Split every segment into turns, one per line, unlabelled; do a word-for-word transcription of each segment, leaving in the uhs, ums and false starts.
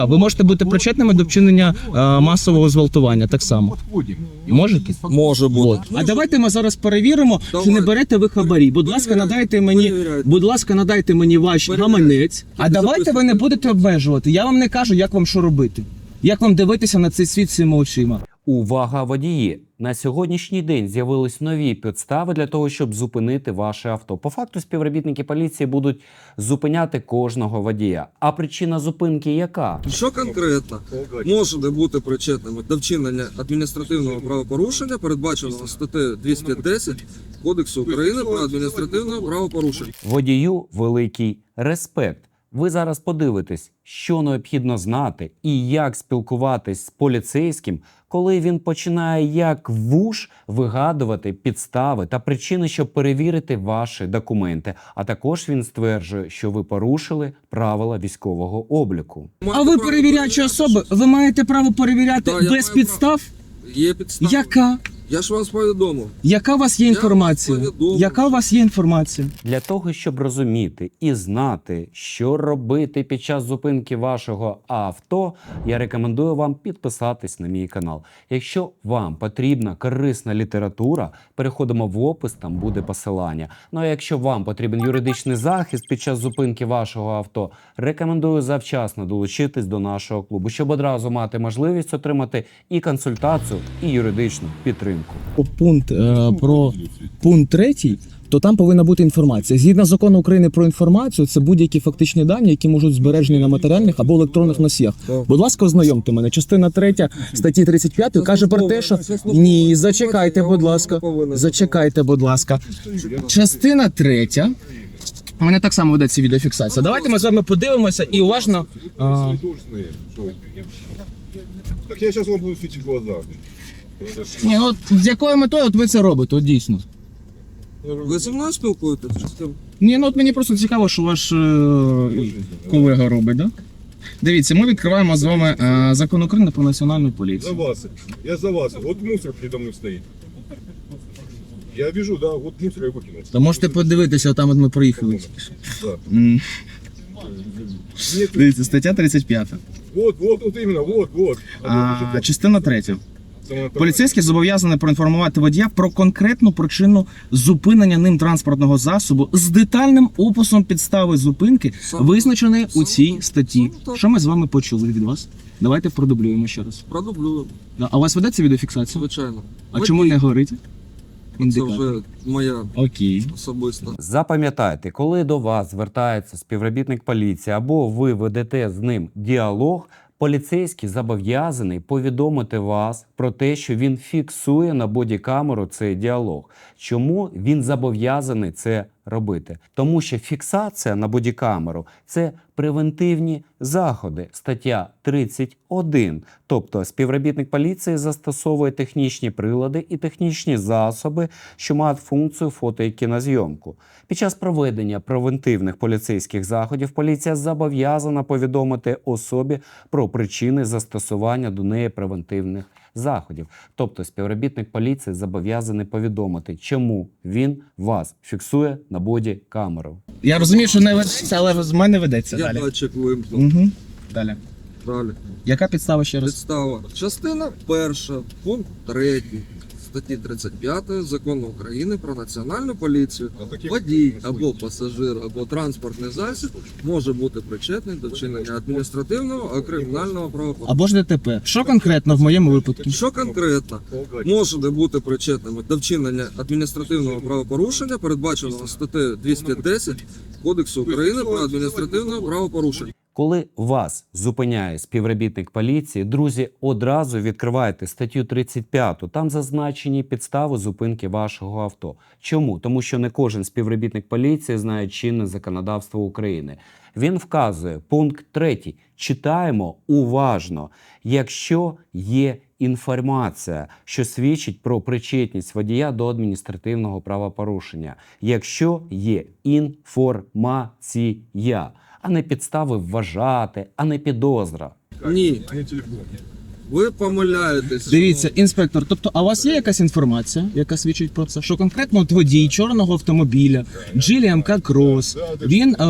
А ви можете бути причетними до вчинення е, масового зґвалтування так само. Можете?
Може бути.
А давайте ми зараз перевіримо,
Давай.
чи не берете ви хабарі. Будь ласка,
Перевіряйте.
надайте мені,
Перевіряйте.
будь ласка, надайте мені ваш
Перевіряйте.
гаманець. А
Тільки
давайте ви не будете обмежувати. Я вам не кажу, як вам що робити. Як вам дивитися на цей світ цими очима.
Увага, водії! На сьогоднішній день з'явились нові підстави для того, щоб зупинити ваше авто. По факту співробітники поліції будуть зупиняти кожного водія. А причина зупинки яка?
Що конкретно можете бути причетними до вчинення адміністративного правопорушення, передбаченого статтею двісті десять Кодексу України про адміністративне правопорушення?
Водію великий респект. Ви зараз подивитесь, що необхідно знати і як спілкуватись з поліцейським, коли він починає як вуш вигадувати підстави та причини, щоб перевірити ваші документи. А також він стверджує, що ви порушили правила військового обліку.
А ви перевіряючі особи, ви маєте право перевіряти
Да, я
без
маю
підстав?
Є підстава.
Яка?
Я ж вас повідомив.
Яка у вас є
Я
інформація?
вам повідомив.
Яка у вас є інформація?
Для того, щоб розуміти і знати, що робити під час зупинки вашого авто, я рекомендую вам підписатись на мій канал. Якщо вам потрібна корисна література, переходимо в опис, там буде посилання. Ну а якщо вам потрібен юридичний захист під час зупинки вашого авто, рекомендую завчасно долучитись до нашого клубу, щоб одразу мати можливість отримати і консультацію, і юридичну підтримку.
Пункт е, про пункт третій, то там повинна бути інформація. Згідно закону України про інформацію, це будь-які фактичні дані, які можуть збережені на матеріальних або електронних носіях.
Так.
Будь ласка, ознайомте мене. Частина третя статті тридцять п'ять каже про те, що ні, зачекайте, будь ласка. Зачекайте, будь ласка. Частина третя. У мене так само ведеться відеофіксація. Давайте ми з вами подивимося і уважно. А,
Так я сейчас вам буду светить в глаза.
ні, от з якою метою от ви це робите? От дійсно.
Ви зі мною спілкуєтесь? Чи з ким?
Ні, ну от мені просто цікаво, що ваш е, колега робить, да? Дивіться, ми відкриваємо з вами е, закон України про національну
За
поліцію.
вас. Я за вас. Вот мусор передо мной стоит. Я вижу, да, вот мусор я выкинул.
То можете подивитися, там от ми проїхали.
Да.
М.
Нет,
Дивіться, стаття тридцять п'ять.
вот, вот, вот именно, вот, вот.
А, частина третя.
Самое
Поліцейський зобов'язаний проінформувати водія про конкретну причину зупинення ним транспортного засобу з детальним описом підстави зупинки,
Саме-
визначеної у
саме
цій
так,
статті.
саме так.
Що ми з вами почули від вас? Давайте продублюємо ще раз.
Продублюю,
Да, А у вас ведеться відеофіксація?
звичайно.
А чому не горить?
Це
Індикатор.
вже моя
Окей.
особиста.
Запам'ятайте, коли до вас звертається співробітник поліції або ви ведете з ним діалог, поліцейський зобов'язаний повідомити вас про те, що він фіксує на бодікамеру цей діалог. Чому він зобов'язаний це робити? Тому що фіксація на бодікамеру – це превентивні заходи, стаття тридцять один. Тобто співробітник поліції застосовує технічні прилади і технічні засоби, що мають функцію фото- і кінозйомку. Під час проведення превентивних поліцейських заходів поліція зобов'язана повідомити особі про причини застосування до неї превентивних заходів. Тобто співробітник поліції зобов'язаний повідомити, чому він вас фіксує на боді-камеру.
Я розумію, що не ведеться, але з мене ведеться
Я
далі.
датчик вимкнув.
Угу. Далі.
Далі.
Яка підстава ще раз?
Підстава. Частина перша, пункт третій статті тридцять п'ять Закону України про національну поліцію. Водій або пасажир, або транспортний засіб може бути причетний до вчинення адміністративного або кримінального правопорушення.
Або ж ДТП. Що конкретно в моєму випадку?
Що конкретно можете бути причетними до вчинення адміністративного правопорушення, передбаченого статтею двісті десять Кодексу України про адміністративне правопорушення?
Коли вас зупиняє співробітник поліції, друзі, одразу відкривайте статтю тридцять п'ять. Там зазначені підстави зупинки вашого авто. Чому? Тому що не кожен співробітник поліції знає чинне законодавство України. Він вказує пункт третій. Читаємо уважно. Якщо є інформація, що свідчить про причетність водія до адміністративного правопорушення. Якщо є інформація, а не підстави вважати, а не підозра.
Ні.
А не телефон.
Ви помиляєтесь.
Дивіться,
шановний.
інспектор, тобто, а у вас є якась інформація, яка свідчить про це? Що конкретно от водій чорного автомобіля, Джілі ем ка Крос, він е-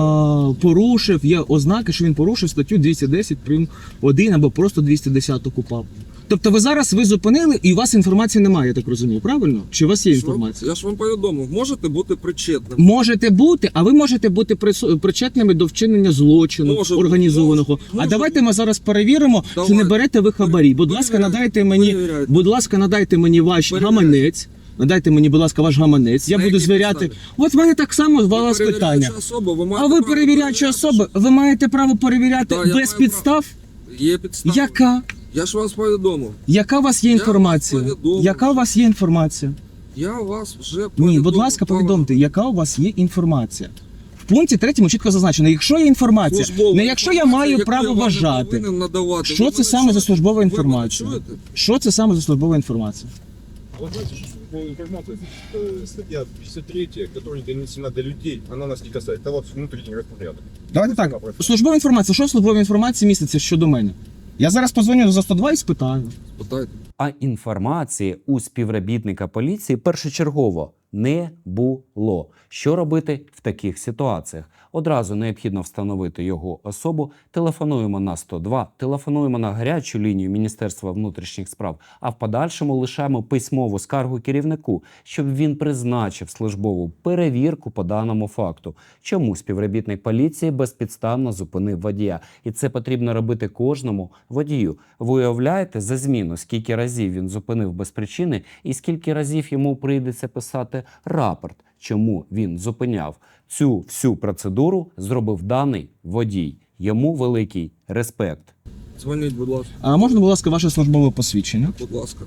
порушив, є ознаки, що він порушив статтю двісті десять прим. один або просто двісті десять КУпАП. Тобто ви зараз ви зупинили і у вас інформації немає, я так розумію, правильно? Чи у вас є
Я ж вам-
інформація?
Я ж вам повідомив, можете бути причетним.
Можете бути, а ви можете бути прису- причетними до вчинення злочину
Може,
організованого.
може,
а
може
давайте ми зараз перевіримо, чи
Давайте.
не берете ви хабарі. Будь ласка,
Перевіряйте,
надайте мені,
перевіряйте.
будь ласка, надайте мені ваш
Перевіряйте.
гаманець. Надайте мені, будь ласка, ваш гаманець. Я
На
буду
якій
звіряти.
підставі?
От в мене так само з
Ви
вас питання.
перевіряюча особа, ви
А
маєте
ви
право
перевіряючі
перевіряти.
особи, ви маєте право перевіряти
Так, я
без
маю
підстав?
Є підстава.
Яка?
Я ж вас повідомив.
Яка у вас є
Я
інформація?
вас повідомив.
Яка у вас є інформація?
Я вас вже
Ні,
повідомив.
будь ласка, повідомте, яка у вас є інформація. В пункті третьому чітко зазначено, якщо є інформація,
Службова
не якщо я
інформація,
маю
яку
право
я вам не
вважати.
повинен надавати.
Що
Ви
це
мене
саме за
чуєте?
службова
Ви мене
інформація?
чуєте?
Що це саме за службова інформація?
Вот знаете, что по информации, э, статья пятьдесят три, которая не донесена до людей, она нас не касается. Это вот внутренний распорядок.
Давайте так.
Вона
Службова інформація. Що в службовій інформації міститься щодо мене? Я зараз позвоню за сто два і спитаю.
Питайте.
А інформації у співробітника поліції першочергово не було. Що робити в таких ситуаціях? Одразу необхідно встановити його особу. Телефонуємо на сто два, телефонуємо на гарячу лінію Міністерства внутрішніх справ, а в подальшому лишаємо письмову скаргу керівнику, щоб він призначив службову перевірку по даному факту. Чому співробітник поліції безпідставно зупинив водія? І це потрібно робити кожному водію. Ви уявляєте за зміну, скільки разів він зупинив без причини і скільки разів йому прийдеться писати рапорт, чому він зупиняв. Цю всю процедуру зробив даний водій. Йому великий респект.
Дзвоніть, будь ласка.
А можна, будь ласка, ваше службове посвідчення?
Будь ласка.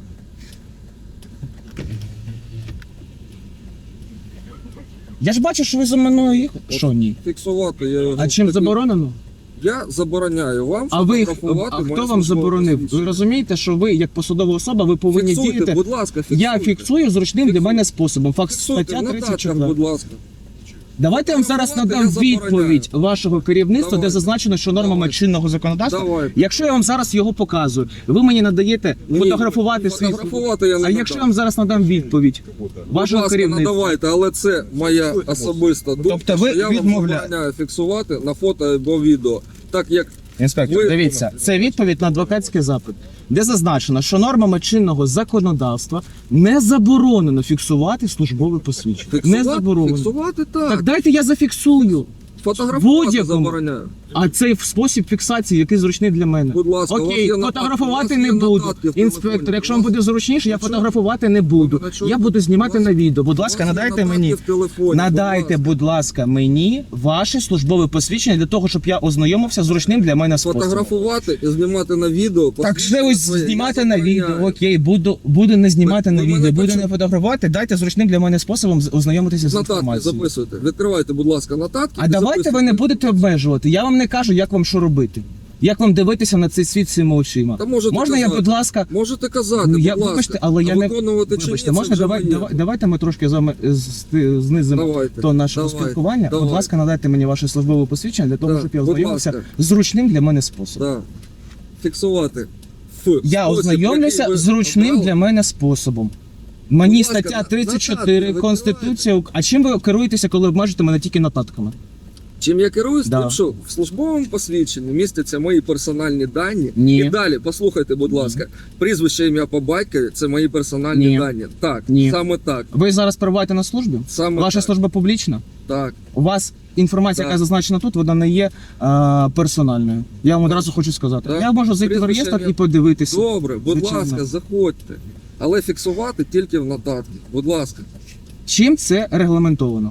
Я ж бачу, що ви за мною їхали. Що ні?
Фіксувати я його.
А чим
Такий-
заборонено?
Я забороняю вам
А ви
фотографувати
а
моє
хто вам
службове
заборонив? Ви
посвідчення.
розумієте, що ви, як посадова особа, ви повинні
Фіксуйте,
діяти.
будь ласка, фіксуйте.
Я фіксую зручним для
Фіксуйте.
мене способом. Факт
Фіксуйте
стаття
в
тридцять
нотатках,
чотири.
будь ласка.
Давайте я вам зараз
Фотографувати
надам
я забороняю.
відповідь вашого керівництва, де
Давайте.
зазначено, що нормами
Давайте.
чинного законодавства.
Давайте.
Якщо я вам зараз його показую, ви мені надаєте
Ні,
фотографувати свій.
фотографувати я не
А якщо я
надам.
вам зараз надам відповідь
Будь
вашого
ласка,
керівництва.
надавайте, але це моя особиста думка,
Тобто ви
що я вам
відмовляєте?
забороняю фіксувати на фото або відео. Так як
Інспектор,
Ви-
дивіться, це відповідь на адвокатський запит, де зазначено, що нормами чинного законодавства не заборонено фіксувати службове посвідчення. Не
фіксувати,
заборонено.
фіксувати так.
Так дайте я зафіксую.
Фотографувати
будь-якому.
забороняю.
А цей спосіб фіксації, який зручний для мене.
Будь ласка, у вас
Окей,
є нотатки,
фотографувати
у вас
не
є
буду.
нотатки в
Інспектор,
телефоні.
якщо вам буде зручніше, я
Якщо-
фотографувати не буду.
Якщо-
Я буду знімати
у вас-
на відео. Будь ласка,
У вас є
надайте
нотатки
мені.
в телефоні,
Надайте,
будь
будь ласка, мені ваше службове посвідчення для того, щоб я ознайомився з зручним для мене
ласка.
способом.
Фотографувати і знімати на відео.
Так ще ось
посвідчення
знімати
я
на
забороняю.
відео. Окей, буду, буду не знімати
Ви-
на
ви
відео,
мене
буду
почули?
не фотографувати. Дайте зручним для мене способом з- ознайомитися з
Нотатки
інформацією.
записуйте. Відкривайте, будь ласка, нотатки.
А
і
давайте ви
записуйте.
не будете обмежувати. Я вам не кажу, як вам що робити. Як вам дивитися на цей світ цими очима?
Та можете
Можна я,
казати.
будь ласка,
Можете казати,
ну,
будь
я,
ласка.
вибачте, але я
а
не
виконувати чи
вибачте,
ні, це
можна
вже
давай,
моє.
давай, давайте ми трошки з вами з- знизимо
Давайте,
то нашого
давайте,
спілкування. Будь
давайте.
ласка, надайте мені ваше службове посвідчення для того,
Так,
щоб я
будь
ознайомився
ласка.
з зручним для мене способом.
Да. Фіксувати. Ф.
Я
Спосіб,
ознайомлюся
який ви
з зручним
обрали.
для мене способом. Мені
Будь ласка,
стаття
на-
тридцять чотири
нотатки ви
Конституція. Ук- А чим ви керуєтеся, коли обмежуєте мене тільки нотатками?
Чим я керуюсь,
Да.
тим, що в службовому посвідченні містяться мої персональні дані.
Ні.
І далі, послухайте, будь ласка, прізвище, ім'я по батькові – це мої персональні
Ні.
дані. Так,
Ні.
саме так.
Ви зараз перебуваєте на службі?
Саме
Ваша
так.
служба публічна?
Так.
У вас інформація,
Так.
яка зазначена тут, вона не є е, персональною. Я вам одразу хочу сказати.
Так.
Я можу зайти в
Прізвище,
реєстр
ім'я.
і подивитися.
Добре, будь
Звичайно.
ласка, заходьте. Але фіксувати тільки в нотатки. Будь ласка.
Чим це регламентовано?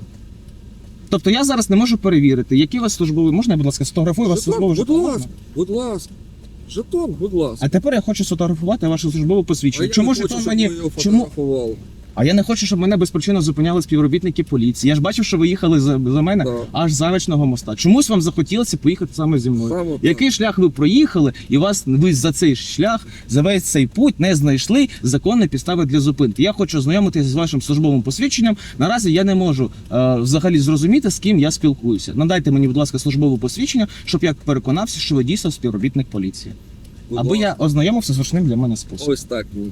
Тобто я зараз не можу перевірити, які у вас службові. Можна я, будь ласка, сфотографую вас
Жетон,
службовий
будь
жетон?
ласка,
Можна?
будь ласка. Жетон, будь ласка.
А тепер я хочу сфотографувати ваше службове
А
посвідчення.
я
Чому
не
жетон
хочу, щоб
мені
ви його
чому?
фотографували.
А я не хочу, щоб мене безпричинно зупиняли співробітники поліції. Я ж бачив, що ви їхали за, за мене
Так.
аж з Заречного моста. Чомусь вам захотілося поїхати саме зі мною.
Саме так.
Який шлях ви проїхали, і вас ви за цей шлях, за весь цей путь не знайшли законні підстави для зупинки. Я хочу ознайомитися з вашим службовим посвідченням. Наразі я не можу е, взагалі зрозуміти, з ким я спілкуюся. Надайте мені, будь ласка, службове посвідчення, щоб я переконався, що ви дійсно співробітник поліції.
Будь
або
ласка.
я ознайомився з зручним для мене способом.
Ось так. ні.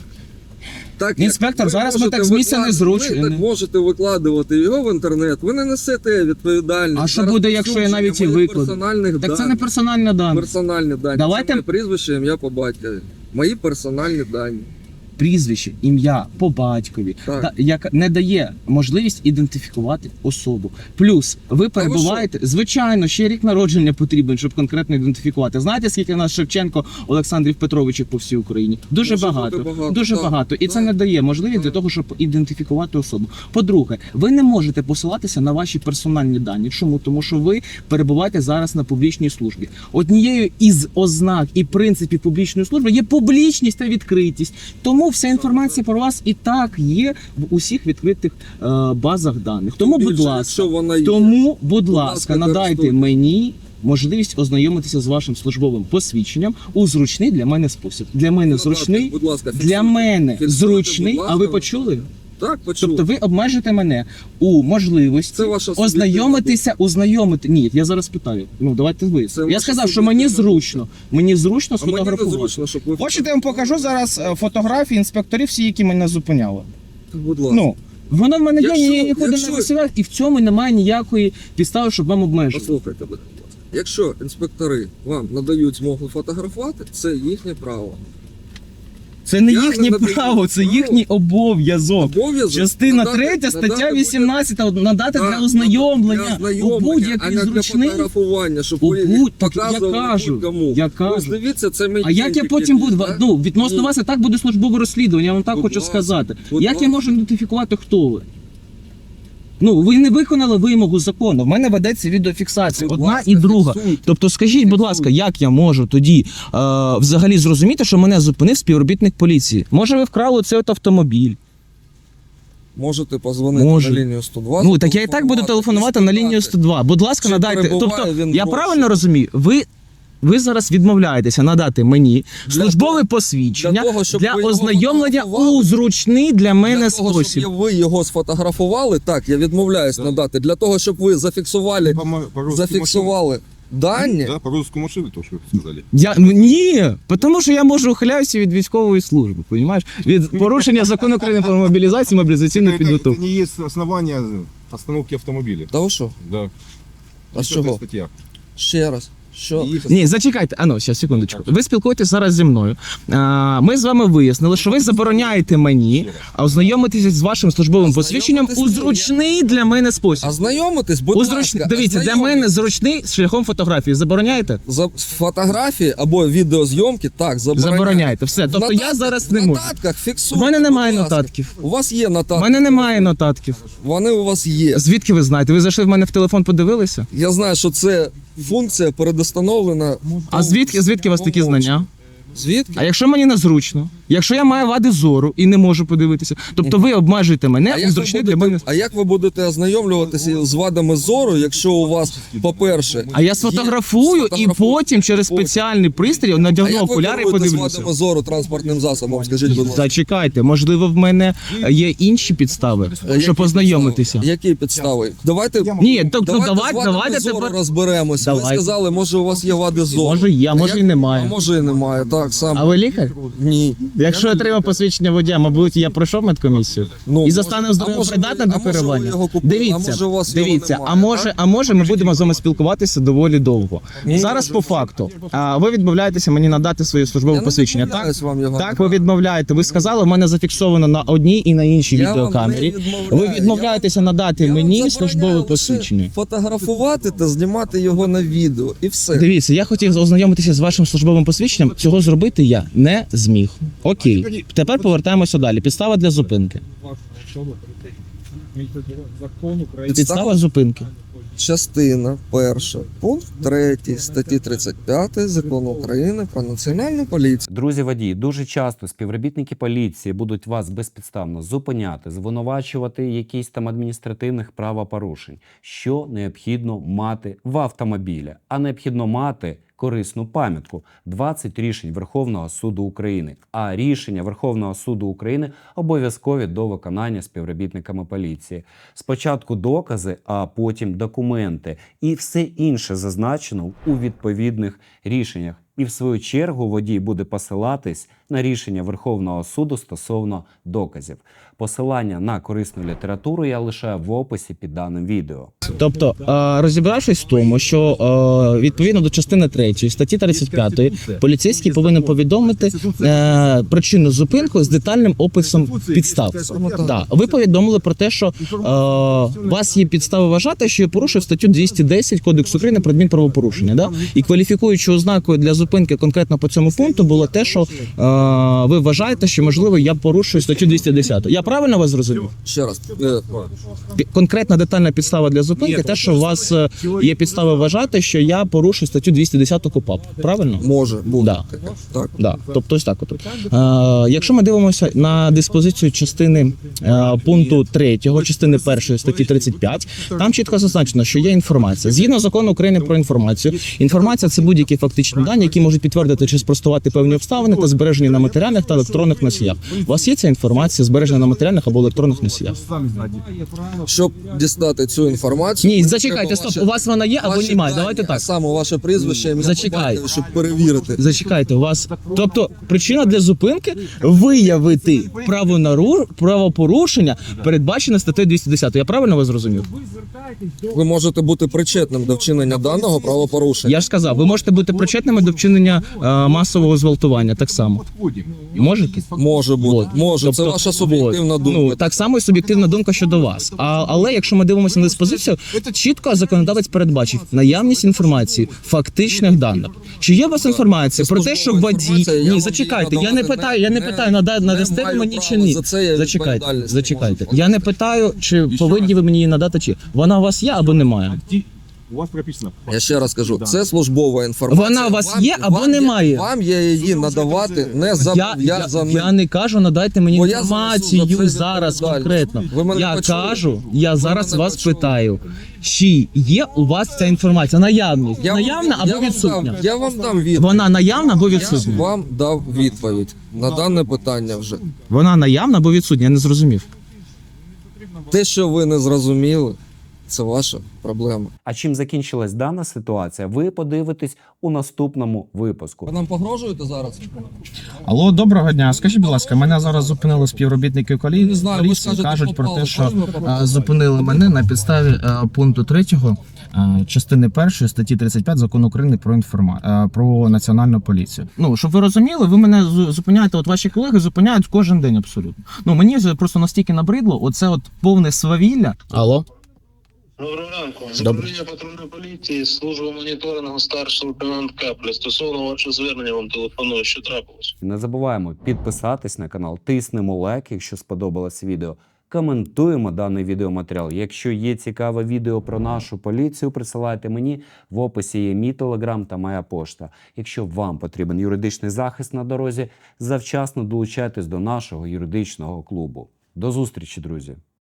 Так,
Інспектор,
як ви
зараз ми
можете
так з місця не
виклад-
зручні.
Ви так можете викладувати його в інтернет, ви не несете відповідальність.
А що
за
буде, якщо я навіть і
розповсюдження моїх
викладу?
персональних
Так це не
даних.
персональна дані.
Персональні дані.
Давайте-
Це моє прізвище, ім'я по батькові. Мої персональні дані.
Прізвище, ім'я по батькові,
Так.
та, яка не дає можливість ідентифікувати особу. Плюс ви перебуваєте, звичайно, ще рік народження потрібен, щоб конкретно ідентифікувати. Знаєте, скільки у нас Шевченко Олександрів Петровичів по всій Україні? Дуже
Може
багато,
бути багато,
дуже
так,
багато. І це
так.
не дає можливість для того, щоб ідентифікувати особу. По-друге, ви не можете посилатися на ваші персональні дані. Чому? Тому що ви перебуваєте зараз на публічній службі. Однією із ознак і принципів публічної служби є публічність та відкритість. Тому вся інформація про вас і так є в усіх відкритих е, базах даних. Тому, будь
Більше,
ласка,
якщо вона є.
тому, будь
Будь
ласка,
ласка,
надайте
користуйтесь.
мені можливість ознайомитися з вашим службовим посвідченням у зручний для мене спосіб. Для мене
Надати,
зручний,
будь ласка,
для
фіксуйте.
мене
Фіксуйте,
зручний.
будь
А ви
ласка.
почули?
Так, почув.
Тобто ви обмежите мене у можливості
Це ваша суб'єктивна
ознайомитися, ознайомити. Ні, я зараз питаю. Ну давайте ви.
Це
Я
ваша
сказав, що мені
суб'єктивна
зручно. Мені зручно
А мені не
сфотографувати.
зручно, щоб ви...
Хочете, я вам покажу зараз е, фотографії інспекторів, всі, які мене зупиняли.
Будь ласка.
Ну, воно в мене є,
Якщо-
я нікуди
якщо-
не висилаю, і в цьому немає ніякої підстави, щоб вам обмежити.
Послухайте, будь ласка. Якщо інспектори вам надають змогу фотографувати, це їхнє право.
Це не
Я
їхнє
не надаю
право, це
право.
їхній обов'язок.
Обов'язок
Частина
надати-
третя, стаття
надати
вісімнадцята, надати
Так,
для ознайомлення
для
у
ознайомлення, а
будь-який
не для
зручний.
фотографування, щоб
У
ви
будь- так я
показували
кажу,
будь-кому.
я
Ось
кажу.
дивіться, це мій
А як я
кінчик
потім
якийсь,
буду,
так?
ну, відносно
Ні.
вас і так буде службове розслідування, я вам так
Будь
хочу
ласка,
сказати.
будь
Як я
ласка.
можу ідентифікувати, хто ви? Ну, ви не виконали вимогу закону. В мене ведеться відеофіксація,
Будь
одна
ласка,
і друга.
фіксуйте.
Тобто, скажіть, будь ласка, як я можу тоді е, взагалі зрозуміти, що мене зупинив співробітник поліції? Може, ви вкрали цей от автомобіль?
Можете позвонити
Можу.
на лінію сто два.
Ну, так я і так буду телефонувати на лінію сто два. Будь ласка,
Чи
надайте.
перебуває
Тобто,
він
я
в
правильно розумію, ви. Ви зараз відмовляєтеся надати мені
Для
службове
того-
посвідчення
для
для,
того, щоб ви його
ознайомлення
фотографували.
у зручний для мене
Для того,
спосіб.
щоб ви його сфотографували, так, я відмовляюсь
Да.
надати. Для того, щоб ви зафіксували,
По, мо- по-русски
зафіксували дані,
машину- Да, по-русски машины, то, что вы сказали.
Я ну, ні, тому що я можу ухиляюся від військової служби, розумієш? Від порушення закону України про мобілізацію, мобілізаційну
Это, это
підготовку.
не есть основания остановки автомобиля.
Та ви що?
Да.
А з
Это
чого?
статья.
Ще раз. Що?
И их
Ні, зачекайте, а ну, зараз, секундочку. Ви спілкуєтесь зараз зі мною. А, ми з вами вияснили, що ви забороняєте мені ознайомитися з вашим службовим посвідченням у
Ознайомитись ні.
зручний для мене спосіб.
А знайомитись, будь
У
ласка.
зручний, дивіться, для
ознайомитись.
мене зручний шляхом фотографії. Забороняєте?
За фотографії або відеозйомки, так, забороняйте.
Забороняєте. Все.
В
Тобто я
нотатках-
зараз не
в
можу.
нотатках
У
фіксуйте.
мене немає
будь ласка.
нотатків.
У вас є
У
нотатки.
мене немає нотатків.
Вони у вас є.
Звідки ви знаєте? Ви зайшли в мене в телефон, подивилися?
Я знаю, що це функція передустановлена.
А звідки, звідки у вас такі знання?
Звідки?
А якщо мені незручно? Якщо я маю вади зору і не можу подивитися, тобто ви обмежуєте мене у
як ви
зручний для
будете-
мене.
а як ви будете ознайомлюватися з вадами зору, якщо у вас, по-перше,
А я
є-
сфотографую і
сфотографуйте.
потім через спеціальний пристрій
А
надягну
як ви
окуляри і
керуєте з
подивлюся.
вадами зору транспортним засобом, скажіть, будь ласка.
Зачекайте, можливо, в мене є інші підстави,
Які
щоб познайомитися.
підстави? Які підстави? Давайте,
Ні, тобто
давайте,
давайте,
з вадами
давайте
зору
тепер.
розберемося. Ви
Давайте.
сказали, може у вас є вади зору.
Може є, а може
як-
і немає.
А може і немає, так, сам.
А ви лікар?
Ні.
Якщо я отримав посвідчення водія, мабуть, я пройшов медкомісію
Ну,
і
може-
за станом
а
здоров'я
може
придатна
ви-
до
а може ви
керування.
його купили, а
Дивіться,
може у вас його
дивіться,
немає,
а може,
так?
а може, ми будемо з вами спілкуватися доволі довго.
Ні,
Зараз
може,
по факту. А ви відмовляєтеся мені надати своє службове
Я не
посвідчення, так?
відмовляюсь вам його
Так, ви відмовляєте. Ви сказали, в мене зафіксовано на одній і на іншій
Я вам
відеокамері.
не відмовляю.
Ви відмовляєтеся надати
Я вам
мені
забороняю
службове
лише
посвідчення.
Фотографувати та знімати його на відео. І все.
Дивіться, я хотів ознайомитися з вашим службовим посвідченням. Цього зробити я не зміг. Окей, тепер повертаємося далі. Підстава для зупинки. Підстава зупинки.
Частина перша, пункт третій статті тридцять п'ять Закону України про національну поліцію.
Друзі водії, дуже часто співробітники поліції будуть вас безпідставно зупиняти, звинувачувати якісь там адміністративних правопорушень. Що необхідно мати в автомобілі? А необхідно мати корисну пам'ятку. двадцять рішень Верховного суду України. А рішення Верховного суду України обов'язкові до виконання співробітниками поліції. Спочатку докази, а потім документи. І все інше зазначено у відповідних рішеннях. І в свою чергу водій буде посилатись на рішення Верховного суду стосовно доказів. Посилання на корисну літературу я лишаю в описі під даним відео.
Тобто, е, розібравшись в тому, що е, відповідно до частини третьої статті тридцять п'ятої поліцейський повинен повідомити е, причину зупинку з детальним описом підстав. Да. Ви повідомили про те, що е, у вас є підстави вважати, що я порушив статтю двісті десять Кодексу України про адмінправопорушення. Да? І кваліфікуючою ознакою для зупинки конкретно по цьому пункту було те, що е, ви вважаєте, що можливо я порушую статтю двісті десять. Я правильно вас зрозумів?
Ще раз. е,
Пі- Конкретна детальна підстава для зупинки, те, що у вас е, є підстави вважати, що я порушую статтю двісті десять КУпАП. Правильно?
Може бути
Да.
таке. Так.
Да. Тобто ось так от. Е, якщо ми дивимося на диспозицію частини е, пункту третього, частини першої статті тридцять п'ять, там чітко зазначено, що є інформація. Згідно закону України про інформацію, інформація – це будь-які фактичні дані, які можуть підтвердити чи спростувати певні обставини та збережені на матеріальних та електронних носіях. У вас є ця інформація, збережена на матеріальних або електронних носіях?
Щоб дістати цю інформацію...
Ні,
треба
зачекайте, стоп,
ваше-
у вас вона є або
ваші
немає,
дані,
давайте
А
так.
саме ваше прізвище, ім'я,
Зачекай.
по батькові, щоб перевірити.
Зачекайте, у вас, тобто причина для зупинки виявити правонару- правопорушення, передбачене статтею двісті десять. Я правильно вас зрозумів?
Ви можете бути причетним до вчинення даного правопорушення.
Я ж сказав, ви можете бути причетними до вчинення е, масового зґвалтування, так само. Можете?
Може бути.
Вот.
Може, це
Тобто,
ваша суб'єктивна
вот.
думка.
Ну, так само і суб'єктивна думка щодо вас. А, але якщо ми дивимося на диспозицію, чітко законодавець передбачив наявність інформації, фактичних даних. Чи є у вас інформація
Це
про те, що
службова
водій...
інформація, я
Ні,
вам
зачекайте,
її
я не
надавати
питаю, я не
не-
питаю, нада-
не
надасте ви
маю
мені чи
права.
ні.
За це я
Зачекайте,
відповідальність
зачекайте.
можу.
Я не питаю, чи повинні ви мені її надати, чи вона у вас є або немає.
У вас прописано.
Я ще раз кажу, це службова інформація.
Вона у вас
Вам-
є або
вам
немає?
Вам є її надавати не
Я, я,
зобов'язаний.
я не кажу, надайте мені
Бо я
інформацію
занесу за це
зараз
відповідальність.
конкретно.
Ви мене
Я
почули?
кажу, я
Ви
зараз
мене
вас
почули?
питаю, чи є у вас ця інформація? Наявність.
Я вам-
Наявна
я
або
вам
відсутня?
дам- Я вам дам відповідь.
Вона наявна або
Я
відсутня?
вам дав відповідь на дане питання вже.
Вона наявна або відсутня? Я не зрозумів.
Те, що ви не зрозуміли, це ваша проблема.
А чим закінчилась дана ситуація, ви подивитесь у наступному випуску.
Ви нам погрожуєте зараз?
Алло, доброго дня. Скажіть, будь ласка, мене зараз зупинили співробітники колі-
Не знаю, ви
поліції,
скажете,
кажуть про
попало.
те, що
Правильно попало?
е, зупинили мене на підставі е, пункту третього е, частини першої статті тридцять п'ять Закону України про інформа е, про національну поліцію. Ну щоб ви розуміли, ви мене зу- зупиняєте. От ваші колеги зупиняють кожен день абсолютно. Ну мені вже просто настільки набридло. Оце от повне свавілля. Алло.
Доброго ранку.
Добре.
Управління патрульної поліції, служба моніторингу, старший лейтенант Капля. Стосовно вашого звернення вам телефоную, що трапилось?
Не забуваємо підписатись на канал, тиснемо лайк, якщо сподобалось відео. Коментуємо даний відеоматеріал. Якщо є цікаве відео про нашу поліцію, присилайте мені. В описі є мій телеграм та моя пошта. Якщо вам потрібен юридичний захист на дорозі, завчасно долучайтесь до нашого юридичного клубу. До зустрічі, друзі!